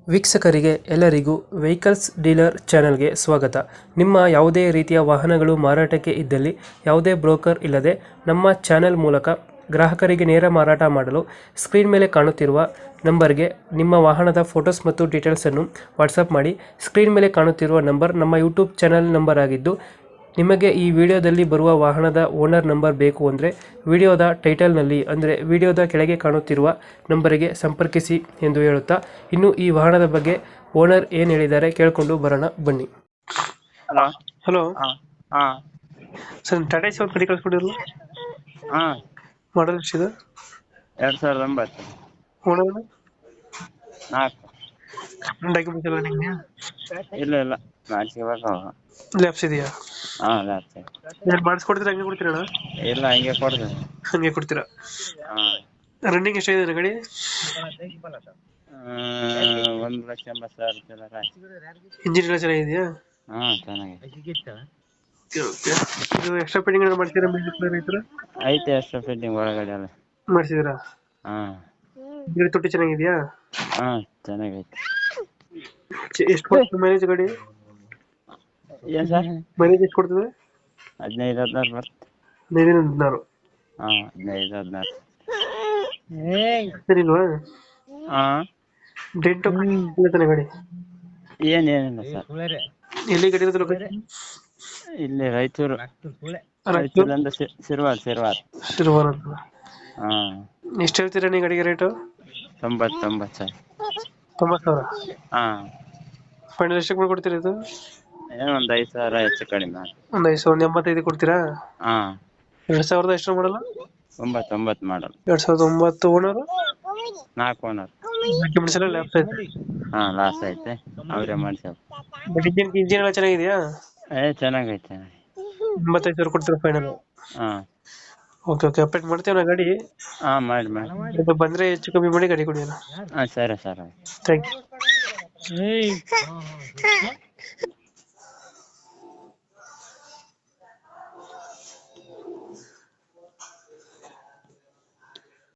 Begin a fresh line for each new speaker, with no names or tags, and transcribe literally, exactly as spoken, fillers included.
ವೀಕ್ಷಕರಿಗೆ ಎಲ್ಲರಿಗೂ vehicles dealer ಚಾನೆಲ್ಗೆ ಸ್ವಾಗತ. ನಿಮ್ಮ ಯಾವುದೇ ರೀತಿಯ ವಾಹನಗಳು ಮಾರಾಟಕ್ಕೆ ಇದ್ದಲ್ಲಿ ಯಾವುದೇ ಬ್ರೋಕರ್ ಇಲ್ಲದೆ ನಮ್ಮ ಚಾನೆಲ್ ಮೂಲಕ ಗ್ರಾಹಕರಿಗೆ ನೇರ ಮಾರಾಟ ಮಾಡಲು ಸ್ಕ್ರೀನ್ ಮೇಲೆ ಕಾಣುತ್ತಿರುವ ನಂಬರ್ಗೆ ನಿಮ್ಮ ವಾಹನದ ಫೋಟೋಸ್ ಮತ್ತು ಡೀಟೇಲ್ಸನ್ನು ವಾಟ್ಸಪ್ ಮಾಡಿ. ಸ್ಕ್ರೀನ್ ಮೇಲೆ ಕಾಣುತ್ತಿರುವ ನಂಬರ್ ನಮ್ಮ ಯೂಟ್ಯೂಬ್ ಚಾನೆಲ್ ನಂಬರ್ ಆಗಿದ್ದು, ನಿಮಗೆ ಈ ವಿಡಿಯೋದಲ್ಲಿ ಬರುವ ವಾಹನದ ಓನರ್ ನಂಬರ್ ಬೇಕು ಅಂದರೆ ವಿಡಿಯೋದ ಟೈಟಲ್ನಲ್ಲಿ ಅಂದರೆ ವಿಡಿಯೋದ ಕೆಳಗೆ ಕಾಣುತ್ತಿರುವ ನಂಬರಿಗೆ ಸಂಪರ್ಕಿಸಿ ಎಂದು ಹೇಳುತ್ತಾ, ಇನ್ನು ಈ ವಾಹನದ ಬಗ್ಗೆ ಓನರ್ ಏನು ಹೇಳಿದ್ದಾರೆ ಕೇಳಿಕೊಂಡು ಬರೋಣ ಬನ್ನಿ.
ಹಲೋ.
ಹಲೋ
ಹಾಂ ಹಾಂ
ಸರ್, ಟಾಟಾ ಸಿ ಒಂದು ಕಡೆ ಕಳಿಸ್ಕೊಡಿರಲ್ಲ,
ಹಾಂ
ಮಾಡಲ್ ಎಷ್ಟಿದೆ?
ಎರಡು ಸಾವಿರದ ಒಂಬತ್ತು
ಓನರ್
ನಾಲ್ಕು.
ಡಾಕ್ಯುಮೆಂಟ್ಸ್ ಎಲ್ಲ ನಿಮಗೆ
ಇಲ್ಲ ಇಲ್ಲ ಮಾಡಿಸ್ಕೋಬೇಕು.
ಲ್ಯಾಬ್ಸ್ ಇದೆಯಾ?
ಹಾಂ ಲ್ಯಾಪ್ಸ್
ಏನು ಮಾಡಿಸ್ಕೊಡ್ತೀರಾ ಹಂಗೆ ಕೊಡ್ತೀರಣ್ಣ?
ಇಲ್ಲ ಹಂಗೆ ಕೊಡ್ತೇನೆ.
ಹಂಗೆ ಕೊಡ್ತೀರಾ?
ಹಾಂ
ರನ್ನಿಂಗ್ ಎಷ್ಟಾಗಿದೆ ಗಾಡಿ?
ಒಂದು ಲಕ್ಷ ಎಂಬತ್ತು ಸಾವಿರ ಚಿಲ್ಲರೆ ಆಯ್ತು.
ಇಂಜಿನ್ ಎಲ್ಲ ಚೆನ್ನಾಗಿದೆಯಾ?
ಹಾಂ ಚೆನ್ನಾಗಿದೆ.
Okay okay. ಇದು ಎಕ್ಸ್ಟ್ರಾ ಪೆಂಡಿಂಗ್ ಏನಾದ್ರು ಮಾಡ್ತೀರಾ? ಮ್ಯೂಸಿಕ್ ಪ್ಲೇಯರ್ ಈ ಥರ
ಐತೆ ಅಷ್ಟು ಫಿಟ್ಟಿಂಗ್ ಒಳಗಡೆ ಎಲ್ಲ.
ಮಾಡಿಸಿದ್ದೀರಾ?
ಹಾಂ
ಗಾಡಿ ತೊಟ್ಟಿ ಚೆನ್ನಾಗಿದೆಯಾ?
ಹಾಂ ಚೆನ್ನಾಗೈತೆ.
ಎಷ್ಟು ಕೊಡ್ತದೆ ಮೈಲೇಜ್ ಗಾಡಿ?
ಏನು ಸರ್?
ಮೈಲೇಜ್ ಎಷ್ಟು ಕೊಡ್ತದೆ?
ಹದಿನೈದು ಹದಿನಾರು ಬರುತ್ತೆ.
ಹದಿನೈದು ಹದಿನಾರು.
ಹಾಂ ಹದಿನೈದು ಹದಿನಾರು.
ಸರಿಲ್ವಾ?
ಹಾಂ
ಡೆಂಟು ಇಲ್ಲ ತಾನೆ ಗಾಡಿ?
ಏನೇನಿಲ್ಲ ಸರ್.
ಎಲ್ಲಿ ಗಾಡಿ ಇರೋದು ಲೊಕೇಶನ್?
ಇಲ್ಲಿ ರಾಯಚೂರು. ರಾಯಚೂರಿಂದ ಸಿರ್ವಾರ್ ಸಿರ್ವಾರ್
ಶಿರವಾರ ಅಂತ.
ಹಾಂ.
ಎಷ್ಟು ಹೇಳ್ತೀರಾ ನೀವು ಗಾಡಿಗೆ ರೇಟು?
ತೊಂಬತ್ತೊಂಬತ್ತು ಸರ್.
ತೊಂಬತ್ತು ಸಾವಿರ.
ಹಾಂ
ಫೈನಲ್ ಎಷ್ಟಕ್ಕೆ ಮಾಡ್ಕೊಡ್ತೀರಾ ಇದು?
ಏನೋ ಒಂದು ಐದು ಸಾವಿರ ಹೆಚ್ಚು ಕಡಿಮೆ ಮಾಡಿ.
ಒಂದು ಐದು ಸಾವಿರದ ಎಂಬತ್ತೈದು ಕೊಡ್ತೀರಾ?
ಹಾಂ
ಎರಡು ಸಾವಿರದ ಎಷ್ಟು ಮಾಡಲ್ಲ?
ಒಂಬತ್ತೊಂಬತ್ತು ಮಾಡಲ್.
ಎರಡು ಸಾವಿರದ ಒಂಬತ್ತು. ಓನರು
ನಾಲ್ಕು ಓನರ್.
ಡಾಕ್ಯುಮೆಂಟ್ಸ್ ಎಲ್ಲ ಲ್ಯಾಪ್ಸ್ ಐತೆ?
ಹಾಂ ಲಾಸ್ ಐತೆ, ಅವರೇ ಮಾಡ್ಸೋದು.
ಬಟ್ ಇಂಜಿನ್ ಇಂಜಿನ್ ಎಲ್ಲ ಚೆನ್ನಾಗಿದೆಯಾ?
ಏ ಚೆನ್ನಾಗೈತೆ.
ಎಂಬತ್ತೈದು ಸಾವಿರ ಕೊಡ್ತೀರಾ ಫೈನಲ್?
ಹಾಂ
ಓಕೆ ಓಕೆ. ಅಪ್ಡೇಟ್ ಮಾಡ್ತೀವಿ ನಾ ಗಾಡಿ.
ಹಾಂ ಮಾಡಿ ಮಾಡಿ.
ಇದು ಬಂದರೆ ಹೆಚ್ಚು ಕಮ್ಮಿ ಮಾಡಿ ಗಾಡಿ ಕೊಡಿ ಅಣ್ಣ.
ಹಾಂ ಸರಿ ಸರ್.
Thank you.